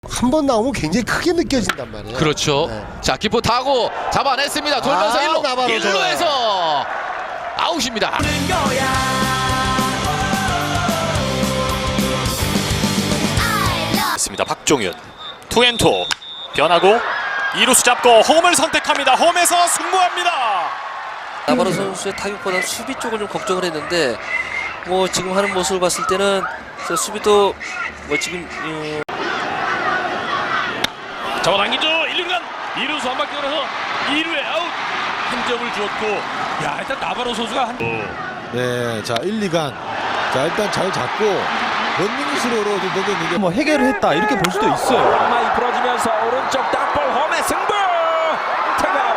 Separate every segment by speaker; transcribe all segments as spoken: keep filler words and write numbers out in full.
Speaker 1: 한 번 나오면 굉장히 크게 느껴진단 말이에요.
Speaker 2: 그렇죠.
Speaker 1: 네.
Speaker 2: 자, 기포 타고 잡아냈습니다. 돌면서
Speaker 1: 아,
Speaker 2: 일루,
Speaker 1: 나바로
Speaker 2: 일루에서 아웃입니다.
Speaker 3: 있습니다. 박종윤 투앤투 변하고 이루수 잡고 홈을 선택합니다. 홈에서 승부합니다.
Speaker 4: 나바로 선수의 타격보다 수비 쪽을 좀 걱정을 했는데 뭐 지금 하는 모습을 봤을 때는 수비도 뭐 지금 어...
Speaker 5: 잡아당기죠. 일 루간 이루수 한 바퀴 돌아서 이 루에 아웃. 한 점을 주었고, 야 일단 나바로 선수가 한.
Speaker 6: 네, 자 일, 이간 자 일단 잘 잡고 런닝스로로 좀 넘겼는데
Speaker 7: 뭐 해결을 했다 이렇게 볼 수도 있어요.
Speaker 5: 많이 부러지면서 오른쪽 땅볼 홈의 승부. 태그아웃.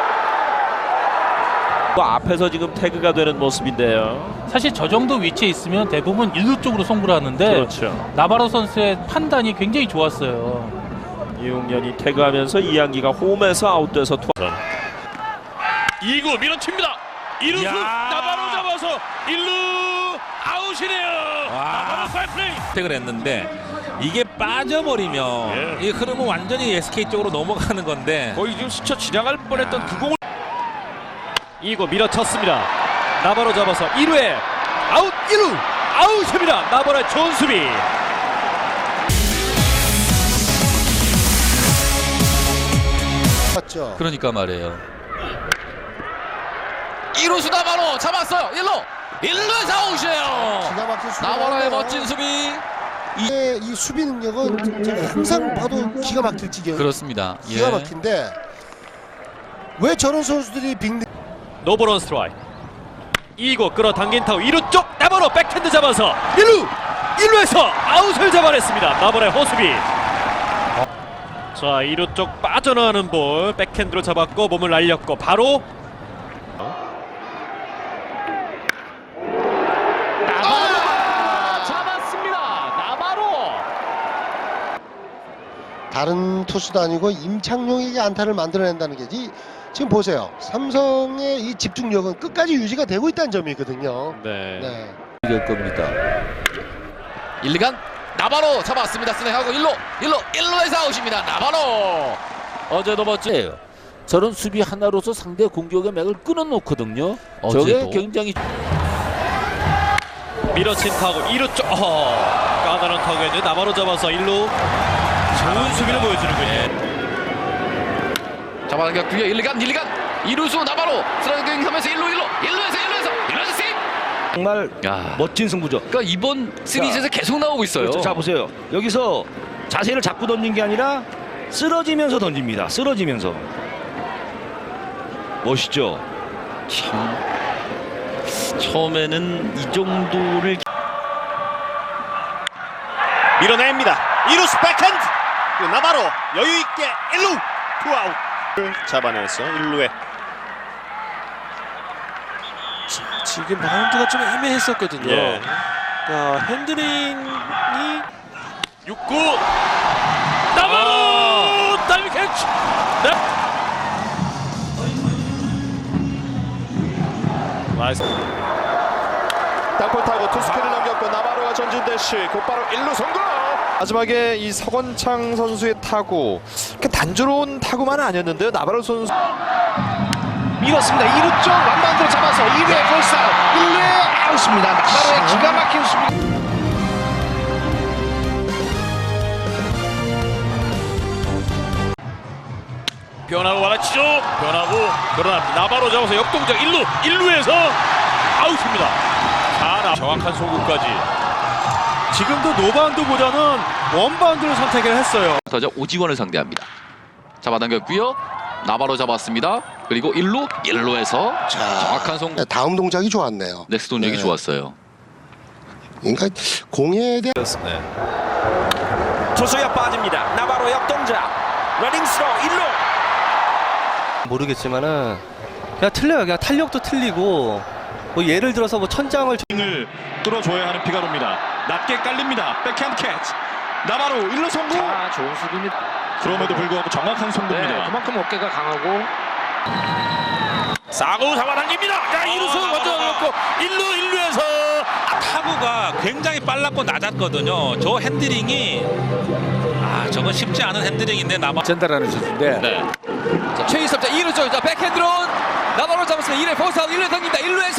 Speaker 7: 또 앞에서 지금 태그가 되는 모습인데요.
Speaker 8: 사실 저 정도 위치에 있으면 대부분 일루 쪽으로 송구를 하는데
Speaker 7: 그렇죠.
Speaker 8: 나바로 선수의 판단이 굉장히 좋았어요.
Speaker 7: 이용현이 태그하면서 이한기가 홈에서 아웃돼서 투.
Speaker 5: 이 구 밀어칩니다. 이루수 나바로 잡아서 일 루 아웃이네요. 나바로 파이플레이.
Speaker 9: 택을 했는데 이게 빠져버리면
Speaker 5: 예.
Speaker 9: 이 흐름은 완전히 에스케이 쪽으로 넘어가는 건데
Speaker 5: 거의 지금 스쳐 지나갈 뻔했던 그 공을 이 구 밀어쳤습니다. 나바로 잡아서 일 루에 아웃. 일 루 아웃입니다. 나바로의 좋은 수비.
Speaker 1: 맞죠.
Speaker 2: 그러니까 말이에요. 이루수 나바로 잡았어요. 일루, 일루에서 아웃이에요.
Speaker 1: 기가 막힌 수비.
Speaker 2: 나바로의 멋진 수비.
Speaker 1: 이, 이 수비 능력은 제가 항상 봐도 기가 막힐 지경.
Speaker 2: 그렇습니다.
Speaker 1: 기가
Speaker 2: 예.
Speaker 1: 막힌데 왜 저런 선수들이 빅
Speaker 5: 노볼 원 스트라이크. 이 구 끌어당긴 타고 이 루 쪽 나바로 백핸드 잡아서 일 루 일 루에서 아웃을 잡아냈습니다. 나바로의 호수비. 자, 이 루 쪽 빠져나가는 볼 백핸드로 잡았고 몸을 날렸고 바로 나바로 잡았습니다. 나바로.
Speaker 1: 다른 투수도 아니고 임창용에게 안타를 만들어낸다는 게 이, 지금 보세요. 삼성의 이 집중력은 끝까지 유지가 되고 있다는 점이거든요.
Speaker 5: 네.
Speaker 1: 네.
Speaker 7: 이길 겁니다.
Speaker 2: 일, 이간 나바로 잡았습니다. 스냅하고 일 루, 일 루, 일 루에서 아웃입니다. 나바로.
Speaker 7: 어제도 멋져요. 저런 수비 하나로서 상대 공격의 맥을 끊어놓거든요. 저게
Speaker 2: 어제도.
Speaker 7: 굉장히
Speaker 5: 밀어친 타고 이 루 쪽 어, 까다로운 타구였는데 나바로 잡아서 일 루 좋은 수비를 보여주는군요.
Speaker 2: 잡아당겼고요. 일, 이간 일, 이간 이루수 나바로 스트라이킹 하면서 일 루, 일 루, 일 루에서 일 루에서 일 루에서 세이브.
Speaker 10: 정말
Speaker 2: 야.
Speaker 10: 멋진 승부죠.
Speaker 2: 그러니까 이번 시리즈에서 계속 나오고 있어요.
Speaker 10: 그렇죠. 자 보세요. 여기서 자세를 잡고 던진 게 아니라 쓰러지면서 던집니다. 쓰러지면서. 멋있죠.
Speaker 9: 참 처음에는 이 정도를
Speaker 3: 밀어냅니다. 이루수 백핸드 나바로 여유있게 일 루 투아웃 잡아내서 일 루에
Speaker 4: 지금 바운드가 좀 애매했었거든요.
Speaker 3: 예.
Speaker 4: 그러니까 핸들링이
Speaker 5: 육 구 나바로 타이밍 캐치.
Speaker 3: 나이스.
Speaker 11: 땅볼 타고 투스크를 넘겼고 나바로가 전진 대시 곧바로 일 루 성공. 마지막에 이 서건창 선수의 타구 단조로운 타구만은 아니었는데요. 나바로 선수
Speaker 10: 밀었습니다. 이 루 쪽 완반대로 잡아서 이 루에 폴스아웃. 일 루에 아웃입니다. 나바로의 기가 막힌 수비.
Speaker 5: 변하고 와라치죠. 변하고 그러나 나바로 잡아서 역동작 일 루 일 루에서 아웃입니다. 자, 정확한 송구까지. 지금도 노바운드보다는 원바운드를 선택을 했어요.
Speaker 2: 타자 오지원을 상대합니다. 잡아당겼고요. 나바로 잡았습니다. 그리고 일 루, 일 루에서
Speaker 1: 자,
Speaker 2: 정확한 송구.
Speaker 1: 다음 동작이 좋았네요.
Speaker 2: 넥스 동작이
Speaker 1: 네.
Speaker 2: 좋았어요.
Speaker 1: 그러니까 공에 대한
Speaker 5: 투수야 빠집니다. 나바로 역동작. 러닝 스로 일 루.
Speaker 4: 모르겠지만은 그냥 틀려요. 그냥 탄력도 틀리고 뭐 예를 들어서 뭐 천장을
Speaker 3: 을 뚫어줘야 하는 피가로입니다. 낮게 깔립니다. 백핸드 캐치. 나바로 일 루 성공.
Speaker 4: 아, 좋은 수비입니다.
Speaker 3: 그럼에도 불구하고 정확한 송구입니다.
Speaker 4: 그만큼 어깨가 강하고
Speaker 5: 사구 잡아당깁니다. 자, 이 루수 먼저 넣고 일 루 일 루에서
Speaker 9: 타구가 굉장히 빨랐고 낮았거든요. 저 핸들링이 아, 저건 쉽지 않은 핸들링인데 남아
Speaker 7: 전달하는 선수인데
Speaker 2: 네. 자, 최희섭 자 이 루 쪽 자 백핸드로 나바로 잡았습니다. 일 루에 포스아웃 일 루에 던집니다. 일 루에서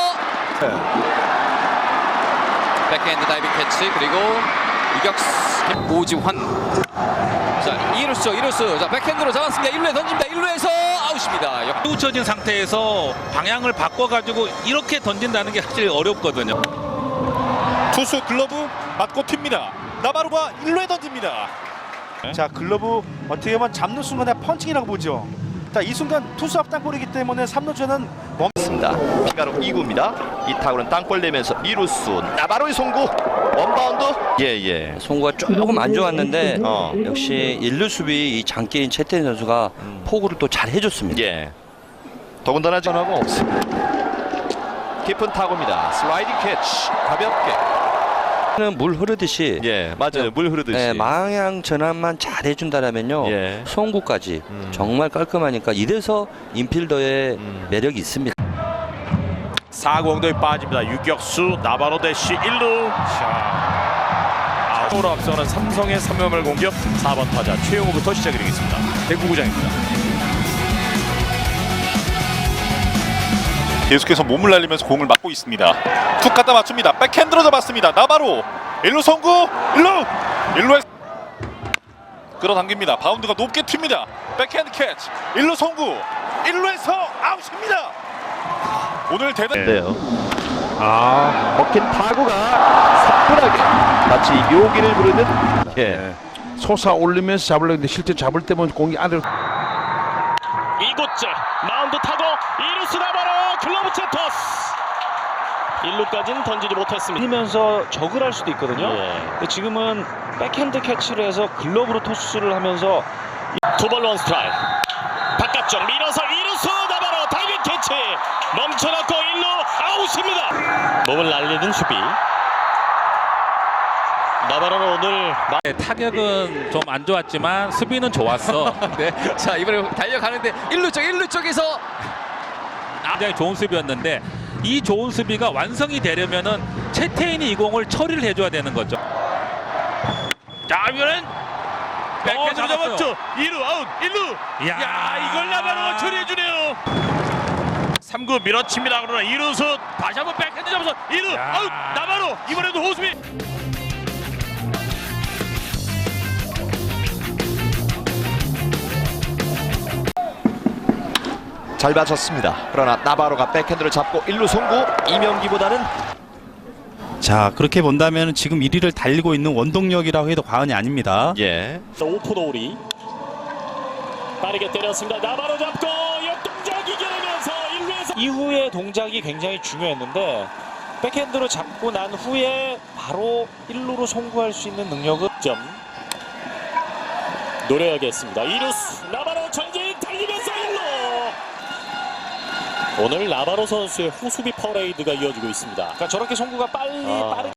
Speaker 2: 백핸드 다이빙 캐치 그리고 이격수 오지환 자 이 루수 이 루수 자 백핸드로 잡았습니다. 일 루에 던집니다. 일 루에서 아웃입니다. 역-
Speaker 9: 뚜쳐진 상태에서 방향을 바꿔가지고 이렇게 던진다는 게 사실 어렵거든요.
Speaker 5: 투수 글러브 맞고 튑니다. 나바로가 일 루에 던집니다.
Speaker 10: 자, 글러브 어떻게 보면 잡는 순간에 펀칭이라고 보죠. 자, 이 순간 투수 앞 땅볼이기 때문에 삼 루주는
Speaker 11: 멈습니다. 피가로 이 구입니다. 이 타구는 땅볼 내면서 이 루수 나바로의 송구 원바운드. 예예.
Speaker 4: 송구가 조금 안 좋았는데
Speaker 11: 어.
Speaker 4: 역시 일 루 수비 이 장기인 채태인 선수가 포구를 또 잘 해줬습니다.
Speaker 11: 예. 더군다나 전화가 없습니다. 깊은 타구입니다. 슬라이딩 캐치 가볍게.
Speaker 4: 물 흐르듯이
Speaker 11: 예 맞아요. 물 흐르듯이.
Speaker 4: 네, 방향 전환만 잘 해준다라면요
Speaker 11: 예.
Speaker 4: 송구까지
Speaker 11: 음.
Speaker 4: 정말 깔끔하니까 이래서 인필더의
Speaker 11: 음.
Speaker 4: 매력이 있습니다.
Speaker 5: 사 구 엉덩이 빠집니다. 유격수 나바로 대시 일 루. 자, 아웃으로 앞서는 삼성의 삼 회말 공격 사 번 타자 최용호부터 시작이 되겠습니다. 대구구장입니다. 계속해서 몸을 날리면서 공을 맞고 있습니다. 툭 갖다 맞춥니다. 백핸드로 잡았습니다. 나바로 일 루 송구 일 루 일 루에 끌어당깁니다. 바운드가 높게 튑니다. 백핸드 캐치 일 루 송구 일 루에서 아웃입니다. 오늘 대단
Speaker 11: 네요. 아 먹힌 타구가 사뿐하게 마치 묘기를 부르는 예.
Speaker 10: 솟아 올리면서 잡으려고 했는데 실제 잡을 때면 공이 아래로
Speaker 5: 이곳째 마운드 타고 이루스 나바로 글러브 채 토스 일 루까지는 던지지 못했습니다.
Speaker 10: 뛰면서 적을 할 수도 있거든요. 근데 지금은 백핸드 캐치를 해서 글러브로 토스를 하면서
Speaker 5: 투볼 원 스트라이크 바깥쪽 밀어서 이루스 나바로 다이빙 캐치 멈춰놓고 일 루 아웃입니다. 몸을 날리는 수비 나바로는 오늘
Speaker 9: 네, 타격은 좀 안 좋았지만 수비는 좋았어.
Speaker 2: 네. 자 이번에 달려가는데 일 루 쪽 일 루 쪽에서
Speaker 9: 굉장히 좋은 수비였는데 이 좋은 수비가 완성이 되려면은 채태인이 이 공을 처리를 해줘야 되는 거죠.
Speaker 5: 자 이번엔 백핸드로
Speaker 9: 어, 잡았어요.
Speaker 5: 잡았죠. 이 루 아웃 일 루 야, 야 이걸 나바로가 처리해주네요. 삼 구 밀어칩니다. 그러나 이 루수 다시 한번 백핸드 잡아서 일 루 아웃 나바로 이번에도 호수비
Speaker 11: 잘 맞췄습니다. 그러나 나바로가 백핸드를 잡고 일 루 송구. 이명기보다는
Speaker 12: 자, 그렇게 본다면 지금 일 위를 달리고 있는 원동력이라고 해도 과언이 아닙니다.
Speaker 11: 예.
Speaker 5: 오프 노리 빠르게 때렸습니다. 나바로 잡고 역동작 이겨내면서 일 루에서
Speaker 10: 이후의 동작이 굉장히 중요했는데 백핸드로 잡고 난 후에 바로 일 루로 송구할 수 있는 능력은
Speaker 5: 점 노려야겠습니다. 이루스 나바로 전진 달리면서 일 루 오늘 나바로 선수의 호수비 퍼레이드가 이어지고 있습니다.
Speaker 10: 그러니까 저렇게 송구가 빨리
Speaker 5: 아.
Speaker 10: 빠르게